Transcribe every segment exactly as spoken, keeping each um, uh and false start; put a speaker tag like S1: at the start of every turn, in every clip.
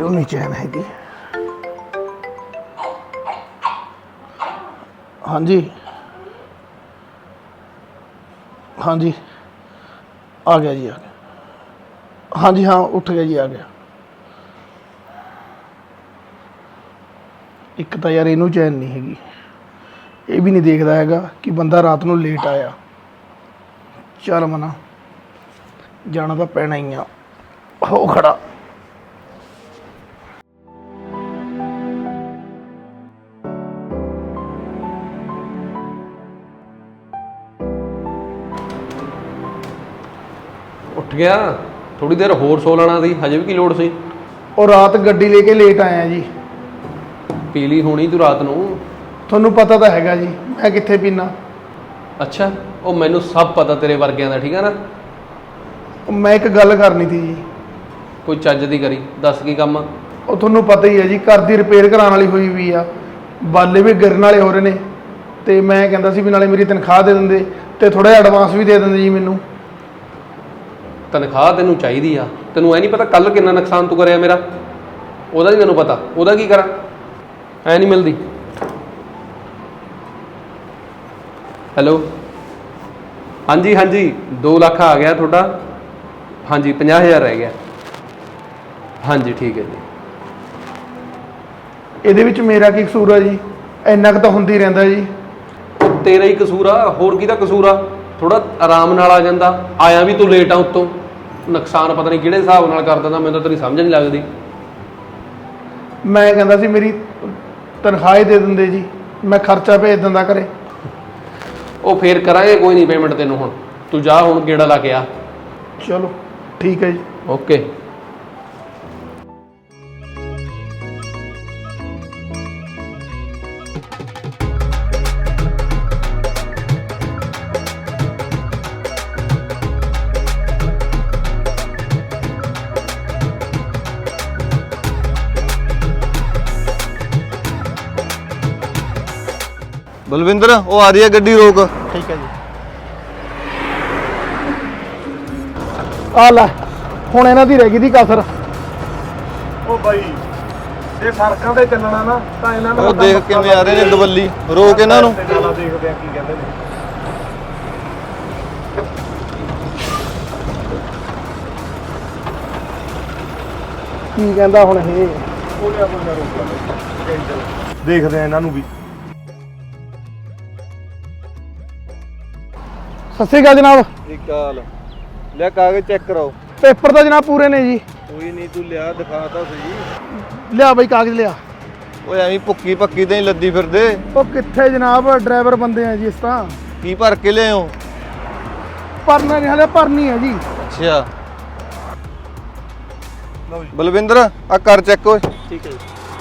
S1: इधरों नहीं चैन हैगी। हाँ जी हाँ जी आ गया जी, आ गया। हाँ जी हाँ उठ गया जी, आ गया। एक तो यार इनू चैन नहीं हैगी, ये भी नहीं देखता हैगा कि बंदा रात को लेट आया। चल मना जाना तो पैना ही आ, हो खड़ा।
S2: उठ गया, थोड़ी देर होर सो लेना सी, हजे भी की लोड़ सी।
S1: और रात गड्डी लेके लेट आया जी।
S2: पी ली होनी तू रात नूं?
S1: ਤੁਹਾਨੂੰ पता तो हैगा जी मैं कित्थे पीना।
S2: अच्छा ਉਹ ਮੈਨੂੰ सब पता तेरे वर्गियां दा, ठीक है ना।
S1: मैं एक गल करनी थी जी।
S2: कोई ਚੱਜ ਦੀ करी दस की काम आ?
S1: ਉਹ ਤੁਹਾਨੂੰ पता ही है जी, घर की रिपेयर कराने वाली हुई हुई आ, बाले भी गिरन वाले हो रहे ने, ते मैं कहता सी भी नाले मेरी तनख्वाह दे देंदे ते थोड़ा जिहा एडवांस भी दे देंदे जी मैनू।
S2: तनख्वाह तेनू चाहिदी आ? तेनू ऐ नहीं पता कल कितना नुकसान तू करिया मेरा? ਉਹਦਾ भी मैनू पता, ਉਹਦਾ की करा? ऐ नहीं मिलती। हैलो हाँ जी हाँ जी दो लाख आ गया थोड़ा। हाँ जी पचास हज़ार रह गया। हाँ जी ठीक है जी।
S1: ਇਹਦੇ ਵਿੱਚ ਮੇਰਾ ਕੀ ਕਸੂਰ ਆ ਜੀ? ਇੰਨਾ ਕੁ ਤਾਂ ਹੁੰਦੀ ਰਹਿੰਦਾ ਜੀ।
S2: ਤੇਰਾ ਹੀ ਕਸੂਰ ਆ, ਹੋਰ ਕਿਹਦਾ ਕਸੂਰ ਆ? ਥੋੜਾ ਆਰਾਮ ਨਾਲ ਆ ਜਾਂਦਾ, ਆਇਆ ਵੀ ਤੂੰ ਲੇਟ ਆ, ਉੱਤੋਂ ਨੁਕਸਾਨ ਪਤਾ ਨਹੀਂ ਕਿਹੜੇ ਹਿਸਾਬ ਨਾਲ ਕਰ ਦਿੰਦਾ, ਮੈਨੂੰ ਤਾਂ ਤੇਰੀ ਸਮਝ ਨਹੀਂ ਲੱਗਦੀ।
S1: ਮੈਂ ਕਹਿੰਦਾ ਸੀ ਮੇਰੀ ਤਨਖਾਹ ਹੀ ਦੇ ਦਿੰਦੇ ਜੀ, ਮੈਂ ਖਰਚਾ ਭੇਜ ਦਿੰਦਾ ਘਰੇ।
S2: ਉਹ ਫੇਰ ਕਰਾਂਗੇ, ਕੋਈ ਨਹੀਂ ਪੇਮੈਂਟ ਤੈਨੂੰ। ਹੁਣ ਤੂੰ ਜਾ, ਹੁਣ ਗੇੜਾ ਲਾ ਕੇ ਆ।
S1: ਚਲੋ ਠੀਕ ਹੈ ਜੀ,
S2: ਓਕੇ।
S3: बलविंदर वो आ रही है गड्डी, रोक।
S1: ठीक है जी। आ ਲੈ ਹੁਣ ਇਹਨਾਂ ਦੀ ਰਹਿ ਗਈ ਦੀ ਕਸਰ। ਉਹ ਬਾਈ ਜੇ ਸੜਕਾਂ ਤੇ ਚੱਲਣਾ ਨਾ ਤਾਂ ਇਹਨਾਂ ਨੂੰ
S3: ਉਹ ਦੇਖ ਕਿਵੇਂ ਆ ਰਹੇ ਨੇ ਦਵੱਲੀ, ਰੋਕ ਇਹਨਾਂ ਨੂੰ।
S1: ਨਾਲਾ ਦੇਖਦੇ ਆ ਕੀ ਕਹਿੰਦੇ ਨੇ। ਕੀ ਕਹਿੰਦਾ ਹੁਣ ਇਹ? ਕੋਈ ਨਾ ਕੋਈ ਨਾ ਰੋਕ ਲਾ, ਦੇਖਦੇ ਆ ਇਹਨਾਂ ਨੂੰ ਵੀ। ਸਤਿ ਸ਼੍ਰੀ ਅਕਾਲ ਜਨਾਬ।
S3: ठीक हाल ले, कागज चेक कराओ।
S1: पेपर तो जनाब पूरे ने जी।
S3: कोई नहीं, तू लिया दिखा तो सही।
S1: लिया बई कागज लिया।
S3: ओए एवी भुक्की पक्की ते ही लद्दी फिरदे।
S1: ओ कित्थे जनाब, ड्राइवर बंदे हैं जी इस तरह।
S3: की भर के ले हो?
S1: भरना नहीं, हाले भरनी है जी।
S3: अच्छा बलविंदर आ कर चेक। ओए
S2: ठीक है।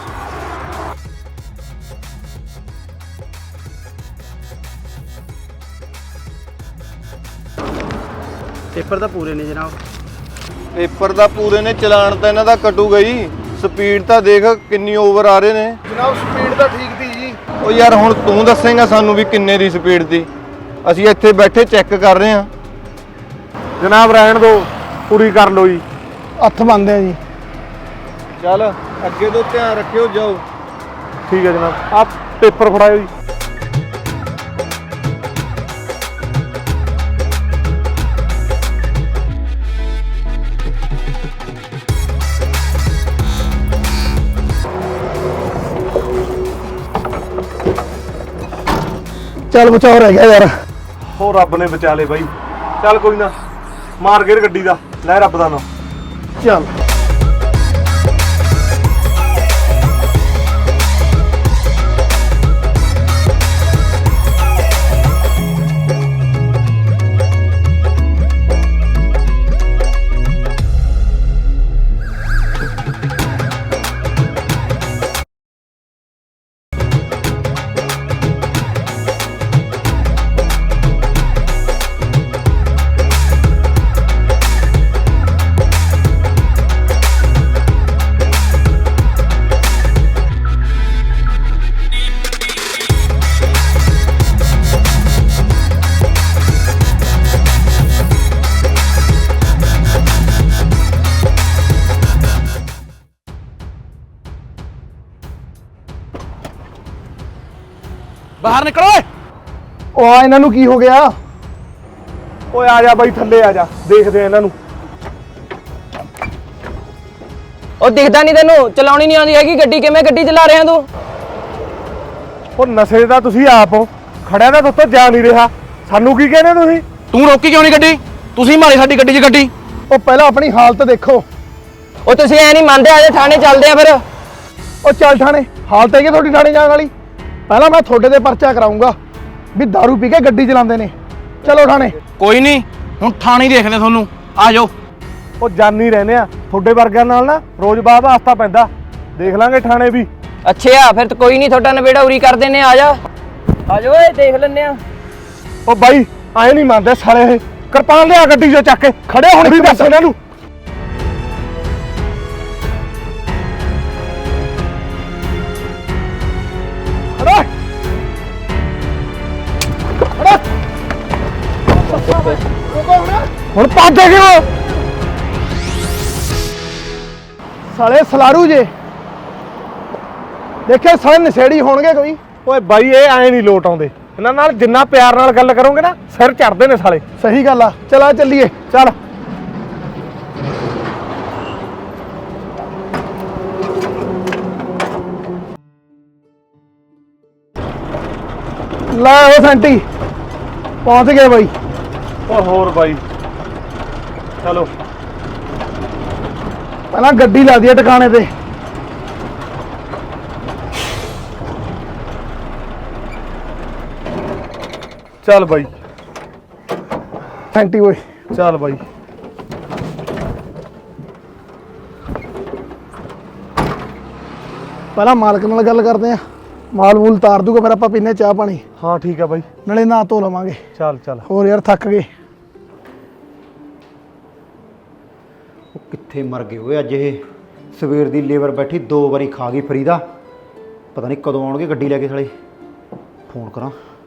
S1: पेपर तो पूरे ने जनाब।
S3: पेपर दा पूरे ने, चलान तो इन्हां दा कटूगा ही। स्पीड तो देख किन्नी ओवर आ रहे ने।
S1: जनाब स्पीड तो ठीक थी जी।
S3: ओ यार हुण तू दसेगा सानू भी किन्ने दी स्पीड थी? असीं इत्थे बैठे चेक कर रहे हैं।
S1: जनाब रहन दो, पूरी कर लो जी। हथ बंद है जी।
S3: चल अगे तो ध्यान रखियो, जाओ।
S1: ठीक है जनाब, आप पेपर फड़ाओ जी। चल बचाओ रह गया यार।
S4: हो रब ने बचा ले बाई। चल कोई ना, मार गेर गड्डी दा, लै रब दा नाम।
S1: चल
S5: ਬਾਹਰ ਨਿਕਲ ਓਏ।
S1: ਉਹ ਆ ਇਹਨਾਂ ਨੂੰ ਕੀ ਹੋ ਗਿਆ?
S4: ਓਏ ਆ ਜਾ ਬਾਈ ਥੱਲੇ ਆ ਜਾ, ਦੇਖਦੇ ਆ ਇਹਨਾਂ ਨੂੰ।
S6: ਉਹ ਦਿਖਦਾ ਨਹੀਂ ਤੈਨੂੰ? ਚਲਾਉਣੀ ਨਹੀਂ ਆਉਂਦੀ ਹੈਗੀ ਗੱਡੀ? ਕਿਵੇਂ ਗੱਡੀ ਚਲਾ ਰਿਹਾ ਤੂੰ?
S4: ਉਹ ਨਸ਼ੇ ਦਾ ਤੁਸੀਂ ਆਪ ਹੋ, ਖੜਿਆ ਤਾਂ ਤੁਹਾਤੋਂ ਜਾ ਨਹੀਂ ਰਿਹਾ, ਸਾਨੂੰ ਕੀ ਕਹਿੰਦੇ ਤੁਸੀਂ?
S5: ਤੂੰ ਰੋਕੀ ਕਿਉਂ ਨਹੀਂ ਗੱਡੀ? ਤੁਸੀਂ ਮਾਰੀ ਸਾਡੀ ਗੱਡੀ 'ਚ ਗੱਡੀ।
S1: ਉਹ ਪਹਿਲਾਂ ਆਪਣੀ ਹਾਲਤ ਦੇਖੋ।
S6: ਉਹ ਤੁਸੀਂ ਐ ਨਹੀਂ ਮੰਨਦੇ, ਆਜੇ ਥਾਣੇ ਚੱਲਦੇ ਆ ਫਿਰ।
S1: ਉਹ ਚੱਲ ਥਾਣੇ, ਹਾਲਤ ਹੈਗੀ ਤੁਹਾਡੀ ਥਾਣੇ ਜਾਣ ਵਾਲੀ? ਪਹਿਲਾਂ ਮੈਂ ਤੁਹਾਡੇ ਤੇ ਪਰਚਾ ਕਰਾਉਂਗਾ ਵੀ ਦਾਰੂ ਪੀ ਕੇ ਗੱਡੀ ਚਲਾਉਂਦੇ ਨੇ। ਚਲੋ ਥਾਣੇ।
S5: ਕੋਈ ਨਹੀਂ, ਹੁਣ ਥਾਣੇ ਦੇਖਦੇ ਤੁਹਾਨੂੰ, ਆ ਜਾਓ।
S4: ਉਹ ਜਾਨੀ ਰਹਿੰਦੇ ਆ, ਤੁਹਾਡੇ ਵਰਗਿਆਂ ਨਾਲ ਨਾ ਰੋਜ਼ ਬਾਅਦ ਵਾਸਤਾ ਪੈਂਦਾ, ਦੇਖ ਲਾਂਗੇ ਥਾਣੇ ਵੀ।
S6: ਅੱਛਾ ਫਿਰ ਤਾਂ ਕੋਈ ਨਹੀਂ, ਤੁਹਾਡਾ ਨਵੇੜਾ ਉਰੀ ਕਰ ਦਿੰਨੇ। ਆ ਜਾ ਆ ਜਾ ਓਏ, ਦੇਖ ਲੈਨੇ ਆ।
S4: ਉਹ ਬਾਈ ਐ ਨਹੀਂ ਮੰਨਦੇ ਸਾਲੇ ਇਹ, ਕਿਰਪਾਨ ਲਿਆ ਗੱਡੀ 'ਚੋਂ ਚੱਕ ਕੇ, ਖੜੇ ਹੁਣ ਵੀ ਦੱਸ ਇਹਨਾਂ ਨੂੰ। ਖੜਾ ਖੜਾ ਹੁਣ ਪਾਦੇ ਕਿਉਂ?
S1: ਸਾਲੇ ਸਲਾਰੂ ਜੇ ਦੇਖਿਆ, ਸਾਲੇ ਨਸ਼ੇੜੀ ਹੋਣਗੇ ਕੋਈ।
S4: ਓਏ ਬਾਈ ਇਹ ਐ ਨਹੀਂ ਲੋਟ ਆਉਂਦੇ, ਇਹਨਾਂ ਨਾਲ ਜਿੰਨਾ ਪਿਆਰ ਨਾਲ ਗੱਲ ਕਰੋਗੇ ਨਾ ਸਿਰ ਚੜਦੇ ਨੇ ਸਾਲੇ।
S1: ਸਹੀ ਗੱਲ ਆ, ਚਲਾ ਚੱਲੀਏ।
S4: ਚੱਲ
S1: ਲੈ ਉਹ ਸੈਂਟੀ ਪਹੁੰਚ ਗਏ ਬਾਈ।
S4: ਓ ਹੋਰ ਬਾਈ ਚਲੋ।
S1: ਪਹਿਲਾਂ ਗੱਡੀ ਲਾ ਦਈਏ ਟਿਕਾਣੇ ਤੇ।
S4: ਚੱਲ ਬਾਈ,
S1: ਸੈਂਟੀ ਓਏ।
S4: ਚੱਲ ਬਾਈ।
S1: ਪਹਿਲਾਂ ਮਾਲਕ ਨਾਲ ਗੱਲ ਕਰਦੇ ਆ, ਮਾਲ ਮੂਲ ਤਾਰ ਦੂਗਾ, ਫਿਰ ਆਪਾਂ ਪੀਨੇ ਚਾਹ ਪਾਣੀ,
S4: ਹਾਂ ਠੀਕ ਆ ਬਾਈ,
S1: ਨਾਲੇ ਨਹਾ ਧੋ ਲਵਾਂਗੇ।
S4: ਚੱਲ ਚੱਲ।
S1: ਹੋਰ ਯਾਰ ਥੱਕ ਗਏ।
S7: ਉਹ ਕਿੱਥੇ ਮਰ ਗਏ ਓਏ ਅੱਜ? ਇਹ ਸਵੇਰ ਦੀ ਲੇਬਰ ਬੈਠੀ ਦੋ ਵਾਰੀ ਖਾ ਗਈ ਫਰੀ ਦਾ, ਪਤਾ ਨਹੀਂ ਕਦੋਂ ਆਉਣਗੇ ਗੱਡੀ ਲੈ ਕੇ ਸਾਲੇ। ਫੋਨ ਕਰਾਂ।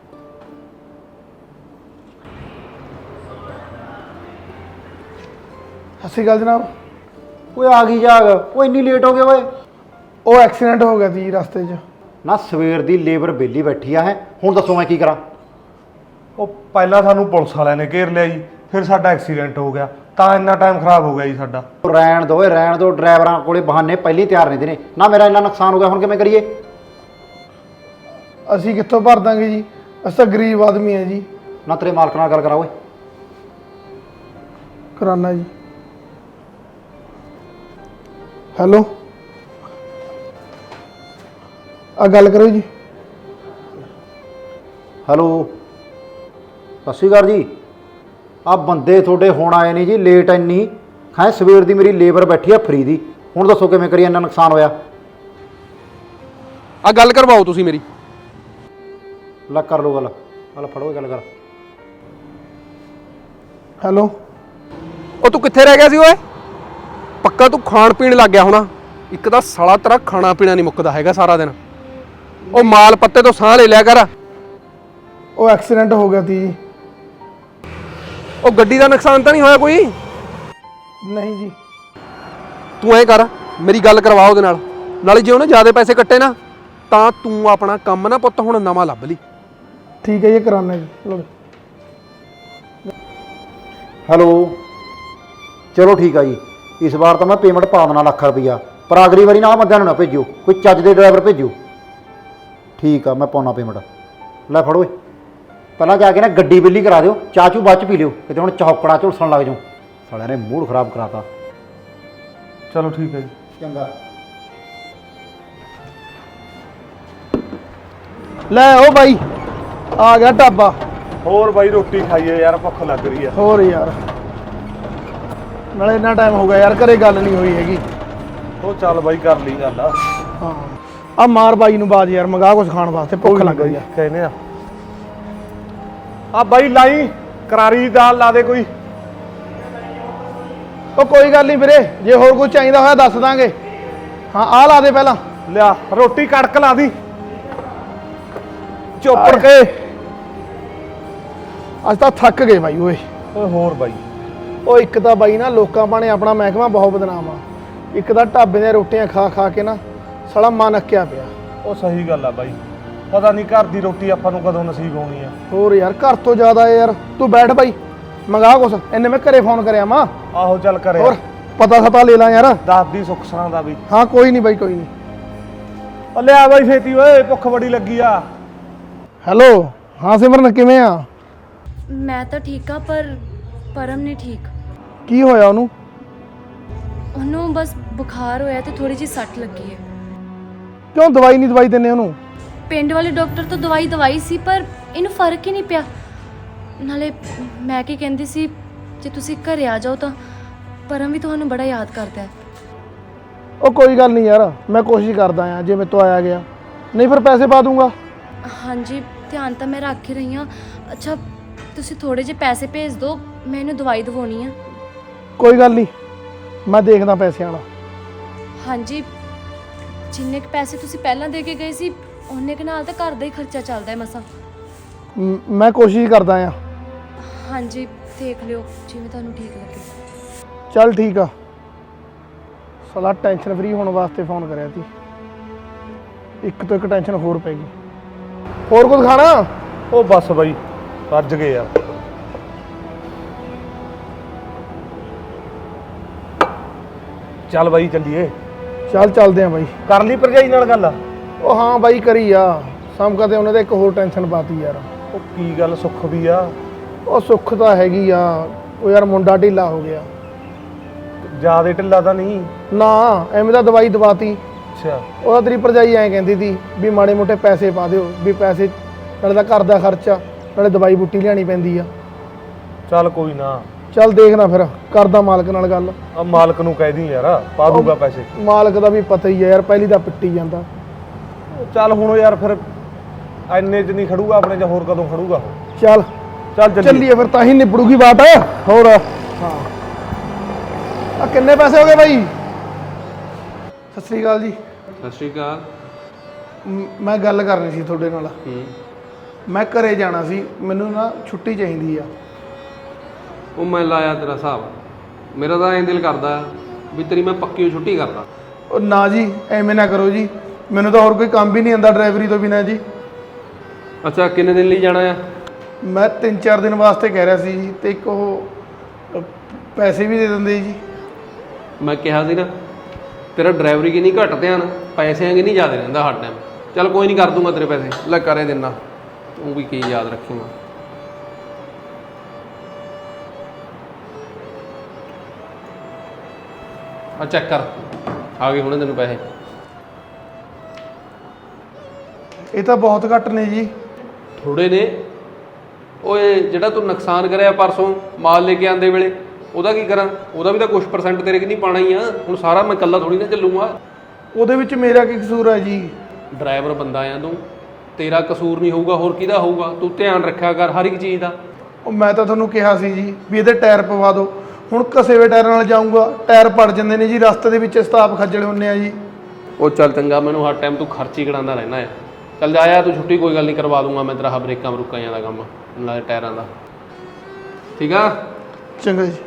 S1: ਸਤਿ ਸ਼੍ਰੀ ਅਕਾਲ ਜਨਾਬ।
S7: ਓਏ ਆ ਗਈ ਜਾਗ, ਉਹ ਇੰਨੀ ਲੇਟ ਹੋ ਗਏ ਓਏ।
S1: ਉਹ ਐਕਸੀਡੈਂਟ ਹੋ ਗਿਆ ਸੀ ਰਸਤੇ 'ਚ।
S7: ਨਾ ਸਵੇਰ ਦੀ ਲੇਬਰ ਵਿਹਲੀ ਬੈਠੀ ਆ ਹੈ, ਹੁਣ ਦੱਸੋ ਮੈਂ ਕੀ ਕਰਾਂ?
S4: ਉਹ ਪਹਿਲਾਂ ਸਾਨੂੰ ਪੁਲਿਸ ਵਾਲਿਆਂ ਨੇ ਘੇਰ ਲਿਆ ਜੀ, ਫਿਰ ਸਾਡਾ ਐਕਸੀਡੈਂਟ ਹੋ ਗਿਆ, ਤਾਂ ਇੰਨਾ ਟਾਈਮ ਖਰਾਬ ਹੋ ਗਿਆ ਜੀ ਸਾਡਾ।
S7: ਉਹ ਰਹਿਣ ਦੋ ਓਏ ਰਹਿਣ ਦੋ, ਡਰਾਈਵਰਾਂ ਕੋਲੇ ਬਹਾਨੇ ਪਹਿਲੀ ਤਿਆਰ ਰਹਿੰਦੇ ਨੇ। ਨਾ ਮੇਰਾ ਇੰਨਾ ਨੁਕਸਾਨ ਹੋ ਗਿਆ, ਹੁਣ ਕਿਵੇਂ ਕਰੀਏ?
S1: ਅਸੀਂ ਕਿੱਥੋਂ ਭਰ ਦਾਂਗੇ ਜੀ, ਅਸੀਂ ਤਾਂ ਗਰੀਬ ਆਦਮੀ ਆ ਜੀ।
S7: ਨਾ ਤੇਰੇ ਮਾਲਕ ਨਾਲ ਗੱਲ ਕਰਾ ਓਏ।
S1: ਕਰਾਨਾ ਜੀ। ਹੈਲੋ, ਆ ਗੱਲ ਕਰੋ ਜੀ।
S7: ਹੈਲੋ, ਸਤਿ ਸ਼੍ਰੀ ਅਕਾਲ ਜੀ। ਆ ਬੰਦੇ ਤੁਹਾਡੇ ਹੁਣ ਆਏ ਨਹੀਂ ਜੀ, ਲੇਟ ਇੰਨੀ ਹੈ। ਸਵੇਰ ਦੀ ਮੇਰੀ ਲੇਬਰ ਬੈਠੀ ਆ ਫਰੀ ਦੀ, ਹੁਣ ਦੱਸੋ ਕਿਵੇਂ ਕਰੀਏ? ਇੰਨਾ ਨੁਕਸਾਨ ਹੋਇਆ।
S2: ਆ ਗੱਲ ਕਰਵਾਓ ਤੁਸੀਂ ਮੇਰੀ।
S7: ਲੈ ਕਰ ਲਓ ਗੱਲ, ਗੱਲ ਫੜੋ ਗੱਲ ਕਰ।
S1: ਹੈਲੋ,
S2: ਉਹ ਤੂੰ ਕਿੱਥੇ ਰਹਿ ਗਿਆ ਸੀ ਓਏ? ਪੱਕਾ ਤੂੰ ਖਾਣ ਪੀਣ ਲੱਗ ਗਿਆ ਹੋਣਾ। ਇੱਕ ਤਾਂ ਸਾਲਾ ਤੇਰਾ ਖਾਣਾ ਪੀਣਾ ਨਹੀਂ ਮੁੱਕਦਾ ਹੈਗਾ ਸਾਰਾ ਦਿਨ। ਉਹ ਮਾਲ ਪੱਤੇ ਤੋਂ ਸਾਹ ਲੈ ਲਿਆ ਕਰ।
S1: ਉਹ ਐਕਸੀਡੈਂਟ ਹੋ ਗਿਆ ਸੀ।
S2: ਉਹ ਗੱਡੀ ਦਾ ਨੁਕਸਾਨ ਤਾਂ ਨਹੀਂ ਹੋਇਆ ਕੋਈ?
S1: ਨਹੀਂ ਜੀ।
S2: ਤੂੰ ਐਂ ਕਰ, ਮੇਰੀ ਗੱਲ ਕਰਵਾ ਉਹਦੇ ਨਾਲ, ਨਾਲੇ ਜੇ ਉਹਨੇ ਜ਼ਿਆਦਾ ਪੈਸੇ ਕੱਟੇ ਨਾ ਤਾਂ ਤੂੰ ਆਪਣਾ ਕੰਮ ਨਾ ਪੁੱਤ ਹੁਣ ਨਵਾਂ ਲੱਭ ਲਈ।
S1: ਠੀਕ ਹੈ ਜੀ, ਕਰਾਨਾ ਜੀ। ਚਲੋ
S7: ਹੈਲੋ, ਚਲੋ ਠੀਕ ਆ ਜੀ। ਇਸ ਵਾਰ ਤਾਂ ਮੈਂ ਪੇਮੈਂਟ ਪਾ ਦੇਣਾ ਲੱਖ ਰੁਪਈਆ, ਪਰ ਅਗਲੀ ਵਾਰੀ ਨਾ ਬੰਦਿਆਂ ਨੂੰ ਨਾ ਭੇਜਿਓ, ਕੋਈ ਚੱਜ ਦੇ ਡਰਾਈਵਰ ਭੇਜਿਓ। ਠੀਕ ਆ, ਮੈਂ ਪਾਉਣਾ ਪੇਮੈਂਟ। ਲੈ ਫੜੋ ਓਏ, ਪਹਿਲਾਂ ਜਾ ਕੇ ਨਾ ਗੱਡੀ ਬਿੱਲੀ ਕਰਾ ਦਿਓ, ਚਾਹ ਚੂ ਬਾਅਦ ਚ ਪੀ ਲਿਓ, ਕਿਤੇ ਹੁਣ ਚੌਕੜਾ ਝੁਲਸਣ ਲੱਗ ਜਾਓ। ਸਾਲਿਆਂ ਨੇ ਮੂਡ ਖਰਾਬ ਕਰਾਤਾ।
S4: ਚਲੋ ਠੀਕ ਹੈ ਜੀ।
S7: ਚੰਗਾ।
S1: ਲੈ ਉਹ ਬਾਈ ਆ ਗਿਆ ਢਾਬਾ।
S4: ਹੋਰ ਬਾਈ ਰੋਟੀ ਖਾਈਏ ਯਾਰ, ਭੁੱਖ ਲੱਗ ਰਹੀ ਆ।
S1: ਹੋਰ ਯਾਰ, ਨਾਲੇ ਇੰਨਾ ਟਾਈਮ ਹੋ ਗਿਆ ਯਾਰ, ਘਰੇ ਗੱਲ ਨਹੀਂ ਹੋਈ ਹੈਗੀ।
S4: ਉਹ ਚੱਲ ਬਾਈ ਕਰ ਲਈ ਗੱਲ।
S1: ਹਾਂ, ਆ ਮਾਰ ਬਾਈ ਨੂੰ ਬਾਜ ਯਾਰ, ਮੰਗਾ ਕੁਝ ਖਾਣ ਵਾਸਤੇ, ਭੁੱਖ ਲੱਗ ਗਈ ਆ।
S4: ਕਹਿੰਦੇ ਆ ਆ ਬਾਈ ਲਾਈ ਕਰਾਰੀ ਦਾਲ ਲਾ ਦੇ ਕੋਈ।
S1: ਉਹ ਕੋਈ ਗੱਲ ਨਹੀਂ ਵੀਰੇ, ਜੇ ਹੋਰ ਕੁਝ ਚਾਹੀਦਾ ਹੋਇਆ ਦੱਸ ਦਾਂਗੇ। ਹਾਂ ਆਹ ਲਾ ਦੇ ਪਹਿਲਾਂ।
S4: ਲਿਆ ਰੋਟੀ ਕੜਕ ਲਾ ਦੀ ਚੋਪੜ ਕੇ।
S1: ਅੱਜ ਤਾਂ ਥੱਕ ਗਏ ਬਾਈ ਓਏ।
S4: ਓਏ ਹੋਰ ਬਾਈ,
S1: ਉਹ ਇੱਕ ਤਾਂ ਬਾਈ ਨਾ ਲੋਕਾਂ ਪਾਣੇ ਆਪਣਾ ਮਹਿਕਮਾ ਬਹੁਤ ਬਦਨਾਮ ਆ। ਇੱਕ ਤਾਂ ਢਾਬੇ ਦੀਆਂ ਰੋਟੀਆਂ ਖਾ ਖਾ ਕੇ ਨਾ ਸਾਲਾ ਮਨ ਅੱਕਿਆ ਪਿਆ।
S4: ਉਹ ਸਹੀ ਗੱਲ ਆ ਬਾਈ। ਪਤਾ ਨਹੀਂ ਘਰ ਦੀ ਰੋਟੀ ਆਪਾਂ ਨੂੰ ਕਦੋਂ ਨਸੀਬ ਹੋਣੀ ਆ।
S1: ਹੋਰ ਯਾਰ ਘਰ ਤੋਂ ਜ਼ਿਆਦਾ ਯਾਰ ਤੂੰ ਬੈਠ ਬਾਈ ਮੰਗਾ ਕੁਛ ਇੰਨੇ ਮੈਂ ਘਰੇ ਫੋਨ ਕਰਿਆ ਮਾਂ
S4: ਆਹੋ ਚੱਲ ਕਰੇ
S1: ਹੋਰ ਪਤਾ ਸਤਾ ਲੈ ਲਾਂ ਯਾਰ
S4: ਦੱਸ ਦੀ ਸੁੱਖ ਸਰਾਂ ਦਾ ਵੀ।
S1: ਹਾਂ ਕੋਈ ਨਹੀਂ ਬਾਈ ਕੋਈ ਨਹੀਂ
S4: ਉਹ ਲਿਆ ਬਾਈ ਛੇਤੀ ਓਏ ਭੁੱਖ ਬੜੀ ਲੱਗੀ ਆ।
S1: ਹੈਲੋ ਹਾਂ ਸਿਮਰਨ ਕਿਵੇਂ ਆ
S8: ਮੈਂ ਤਾਂ ਠੀਕ ਆ ਪਰ ਪਰਮ ਨਹੀਂ ਠੀਕ।
S1: ਕੀ ਹੋਇਆ ਉਹਨੂੰ
S8: ਉਹਨੂੰ ਬਸ ਬੁਖਾਰ ਹੋਇਆ ਤੇ ਥੋੜੀ ਜਿਹੀ ਸੱਟ ਲੱਗੀ ਹੈ।
S1: ਕਿਉਂ ਦਵਾਈ ਨਹੀਂ ਦਵਾਈ ਦਿੰਨੇ ਉਹਨੂੰ
S8: ਪਿੰਡ ਵਾਲੇ ਡਾਕਟਰ ਤੋਂ ਦਵਾਈ ਦਵਾਈ ਸੀ ਪਰ ਇਹਨੂੰ ਫਰਕ ਹੀ ਨਹੀਂ ਪਿਆ। ਨਾਲੇ ਮੈਂ ਕੀ ਕਹਿੰਦੀ ਸੀ ਜੇ ਤੁਸੀਂ ਘਰੇ ਆ ਜਾਓ ਤਾਂ ਪਰਮ ਵੀ ਤੁਹਾਨੂੰ ਬੜਾ ਯਾਦ ਕਰਦਾ ਹੈ।
S1: ਉਹ ਕੋਈ ਗੱਲ ਨਹੀਂ ਯਾਰ ਮੈਂ ਕੋਸ਼ਿਸ਼ ਕਰਦਾ ਆ ਜੇ ਮੇਰੇ ਤੋਂ ਆਇਆ ਗਿਆ ਨਹੀਂ ਫਿਰ ਪੈਸੇ ਪਾ ਦੂੰਗਾ।
S8: ਹਾਂਜੀ ਧਿਆਨ ਤਾਂ ਮੈਂ ਰੱਖ ਹੀ ਰਹੀ ਹਾਂ। ਅੱਛਾ ਤੁਸੀਂ ਥੋੜੇ ਜਿਹੇ ਪੈਸੇ ਭੇਜ ਦਿਓ ਮੈਂ ਇਹਨੂੰ ਦਵਾਈ ਦਵਾਉਣੀ ਆ।
S1: ਕੋਈ ਗੱਲ ਨਹੀਂ ਮੈਂ ਦੇਖਦਾ ਪੈਸਿਆਂ ਵਾਲਾ।
S8: ਹਾਂਜੀ ਜਿੰਨੇ ਕੁ ਪੈਸੇ ਤੁਸੀਂ ਪਹਿਲਾਂ ਦੇ ਕੇ ਗਏ ਸੀ ਉਹਨੇ ਕੁ ਨਾਲ ਤਾਂ ਘਰ ਦਾ ਹੀ ਖਰਚਾ ਚੱਲਦਾ ਹੈ ਮਸਾਂ।
S1: ਮ- ਮੈਂ ਕੋਸ਼ਿਸ਼ ਕਰਦਾ ਆ।
S8: ਹਾਂਜੀ ਦੇਖ ਲਿਓ ਜਿਵੇਂ ਤੁਹਾਨੂੰ ਠੀਕ ਲੱਗੇ।
S1: ਚੱਲ ਠੀਕ ਆ ਸਾਲਾ ਟੈਨਸ਼ਨ ਫਰੀ ਹੋਣ ਵਾਸਤੇ ਫੋਨ ਕਰਿਆ ਸੀ ਇੱਕ ਤੋਂ ਇੱਕ ਟੈਨਸ਼ਨ ਹੋਰ ਪੈ ਗਈ। ਹੋਰ ਕੁਝ ਖਾਣਾ
S4: ਉਹ ਬਸ ਬਾਈ ਰੱਜ ਗਏ ਯਾਰ। ਚੱਲ ਬਾਈ ਚੱਲੀਏ।
S1: ਚੱਲ ਚੱਲਦੇ ਆ ਬਾਈ।
S4: ਕਰ ਲਈ ਭਰਜਾਈ ਨਾਲ ਗੱਲ।
S1: ਉਹ ਹਾਂ ਬਾਈ ਕਰੀ ਆ ਸਮ ਕਦੇ ਉਹਨਾਂ ਦੇ ਇੱਕ ਹੋਰ ਟੈਨਸ਼ਨ ਪਾਤੀ ਯਾਰ।
S4: ਉਹ ਕੀ ਗੱਲ ਸੁੱਖ ਵੀ ਆ।
S1: ਉਹ ਸੁੱਖ ਤਾਂ ਹੈਗੀ ਆ ਉਹ ਯਾਰ ਮੁੰਡਾ ਢੀਲਾ ਹੋ ਗਿਆ।
S4: ਜਿਆਦੇ ਢਿੱਲਾ ਤਾਂ ਨਹੀਂ।
S1: ਨਾ ਐਵੇਂ ਤਾਂ ਦਵਾਈ ਦਵਾਤੀ।
S4: ਅੱਛਾ
S1: ਉਹਦਾ ਤੇਰੀ ਭਰਜਾਈ ਐਂ ਕਹਿੰਦੀ ਸੀ ਵੀ ਮਾੜੇ ਮੋਟੇ ਪੈਸੇ ਪਾ ਦਿਓ ਵੀ ਪੈਸੇ ਨਾਲੇ ਤਾਂ ਘਰ ਦਾ ਖਰਚਾ ਨਾਲੇ ਦਵਾਈ ਬੂਟੀ ਲਿਆਣੀ ਪੈਂਦੀ ਆ।
S4: ਚੱਲ ਕੋਈ ਨਾ
S1: ਚੱਲ ਦੇਖਣਾ ਫਿਰ ਕਰਦਾ ਮਾਲਕ ਨਾਲ ਗੱਲ।
S4: ਆ ਮਾਲਕ ਨੂੰ ਕਹਿ ਦੀ ਯਾਰ ਪਾ ਦੂਗਾ ਪੈਸੇ।
S1: ਮਾਲਕ ਦਾ ਵੀ ਪਤਾ ਹੀ ਆ ਯਾਰ ਪਹਿਲੀ ਤਾਂ ਪਿੱਟੀ ਜਾਂਦਾ।
S4: ਚੱਲ ਹੁਣ ਯਾਰ ਫਿਰ ਐਨੇ ਚ ਨਹੀਂ ਖੜੂਗਾ ਆਪਣੇ ਚ ਹੋਰ ਕਦੋਂ ਖੜੂਗਾ ਉਹ।
S1: ਚੱਲ
S4: ਚੱਲ ਚੱਲੀਏ।
S1: ਚੱਲੀਏ ਫਿਰ ਤਾਂ ਹੀ ਨਿਬੜੂਗੀ ਬਾਤ। ਹੋਰ ਹਾਂ ਆ ਕਿੰਨੇ ਪੈਸੇ ਹੋ ਗਏ ਬਾਈ? ਸਤਿ ਸ੍ਰੀ ਅਕਾਲ ਜੀ।
S2: ਸਤਿ ਸ਼੍ਰੀ ਅਕਾਲ।
S1: ਮ- ਮੈਂ ਗੱਲ ਕਰਨੀ ਸੀ ਤੁਹਾਡੇ ਨਾਲ।
S2: ਹੂੰ
S1: ਮੈਂ ਘਰੇ ਜਾਣਾ ਸੀ ਮੈਨੂੰ ਨਾ ਛੁੱਟੀ ਚਾਹੀਦੀ ਆ।
S2: ਉਹ ਮੈਂ ਲਾਇਆ ਤੇਰਾ ਹਿਸਾਬ। ਮੇਰਾ ਤਾਂ ਐਂ ਦਿਲ ਕਰਦਾ ਵੀ ਤੇਰੀ ਮੈਂ ਪੱਕੀ ਛੁੱਟੀ ਕਰਦਾ।
S1: ਉਹ ਨਾ ਜੀ ਐਵੇਂ ਨਾ ਕਰੋ ਜੀ ਮੈਨੂੰ ਤਾਂ ਹੋਰ ਕੋਈ ਕੰਮ ਵੀ ਨਹੀਂ ਆਉਂਦਾ ਡਰਾਈਵਰੀ ਤੋਂ ਬਿਨਾਂ ਜੀ।
S2: ਅੱਛਾ ਕਿੰਨੇ ਦਿਨ ਲਈ ਜਾਣਾ ਆ?
S1: ਮੈਂ ਤਿੰਨ ਚਾਰ ਦਿਨ ਵਾਸਤੇ ਕਹਿ ਰਿਹਾ ਸੀ ਜੀ ਤੇ ਇੱਕ ਉਹ ਅ, ਪੈਸੇ ਵੀ ਦੇ ਦਿੰਦੇ ਜੀ।
S2: ਮੈਂ ਕਿਹਾ ਸੀ ਨਾ ਤੇਰਾ ਡਰਾਈਵਰੀ ਕੀ ਨਹੀਂ ਘੱਟ ਧਿਆਨ ਪੈਸਿਆਂ ਕੀ ਨਹੀਂ ਜ਼ਿਆਦਾ ਰਹਿੰਦਾ ਹਰ ਟਾਈਮ। ਚੱਲ ਕੋਈ ਨਹੀਂ ਕਰ ਦੂੰਗਾ ਤੇਰੇ ਪੈਸੇ ਲੈ ਕਰੇ ਦਿੰਦਾ ਤੂੰ ਵੀ ਕੀ ਯਾਦ ਰੱਖੇਂਗਾ। ਆ ਚੈੱਕ ਕਰ ਆ ਗਏ ਹੁਣੇ ਤੈਨੂੰ ਪੈਸੇ।
S1: ਇਹ ਤਾਂ ਬਹੁਤ ਘੱਟ ਨੇ ਜੀ।
S2: ਥੋੜੇ ਨੇ। ਓਏ ਜਿਹੜਾ ਤੂੰ ਨੁਕਸਾਨ ਕਰਿਆ ਪਰਸੋਂ ਮਾਲ ਲੈ ਕੇ ਆਂਦੇ ਵੇਲੇ ਉਹਦਾ ਕੀ ਕਰਾਂ? ਉਹਦਾ ਵੀ ਤਾਂ ਕੁਛ ਪਰਸੈਂਟ ਤੇਰੇ ਕਿ ਨਹੀਂ ਪਾਣਾ ਹੀ ਆ। ਹੁਣ ਸਾਰਾ ਮੈਂ ਇਕੱਲਾ ਥੋੜੀ ਨਾ ਚੱਲੂਗਾ।
S1: ਉਹਦੇ ਵਿੱਚ ਮੇਰਾ ਕੀ ਕਸੂਰ ਹੈ ਜੀ?
S2: ਡਰਾਈਵਰ ਬੰਦਾ ਆ ਤੂੰ ਤੇਰਾ ਕਸੂਰ ਨਹੀਂ ਹੋਊਗਾ ਹੋਰ ਕਿਹਦਾ ਹੋਊਗਾ? ਤੂੰ ਧਿਆਨ ਰੱਖਿਆ ਕਰ ਹਰ ਇੱਕ ਚੀਜ਼ ਦਾ।
S1: ਉਹ ਮੈਂ ਤਾਂ ਤੁਹਾਨੂੰ ਕਿਹਾ ਸੀ ਜੀ ਵੀ ਇਹਦੇ ਟਾਇਰ ਪਵਾ ਦਿਓ। ਹੁਣ ਘਸੇ ਹੋਏ ਟਾਇਰਾਂ ਨਾਲ ਜਾਊਂਗਾ ਟਾਇਰ ਪੜ ਜਾਂਦੇ ਨੇ ਜੀ ਰਸਤੇ ਦੇ ਵਿੱਚ ਸਤਾਪ ਖੱਜਲ ਹੁੰਨੇ ਆ ਜੀ।
S2: ਉਹ ਚੱਲ ਚੰਗਾ ਮੈਨੂੰ ਹਰ ਟਾਈਮ ਤੂੰ ਖਰਚ ਹੀ ਕਢਾਉਂਦਾ ਰਹਿਣਾ ਹੈ। ਚੱਲ ਜਾਇਆ ਤੂੰ ਛੁੱਟੀ ਕੋਈ ਗੱਲ ਨਹੀਂ ਕਰਵਾ ਦੂੰਗਾ ਮੈਂ ਤੇਰਾ ਬ੍ਰੇਕਾਂ ਬਰੂਕਾਂ ਦਾ ਕੰਮ ਨਾਲੇ ਟਾਇਰਾਂ ਦਾ। ਠੀਕ ਆ
S1: ਚੰਗਾ ਜੀ।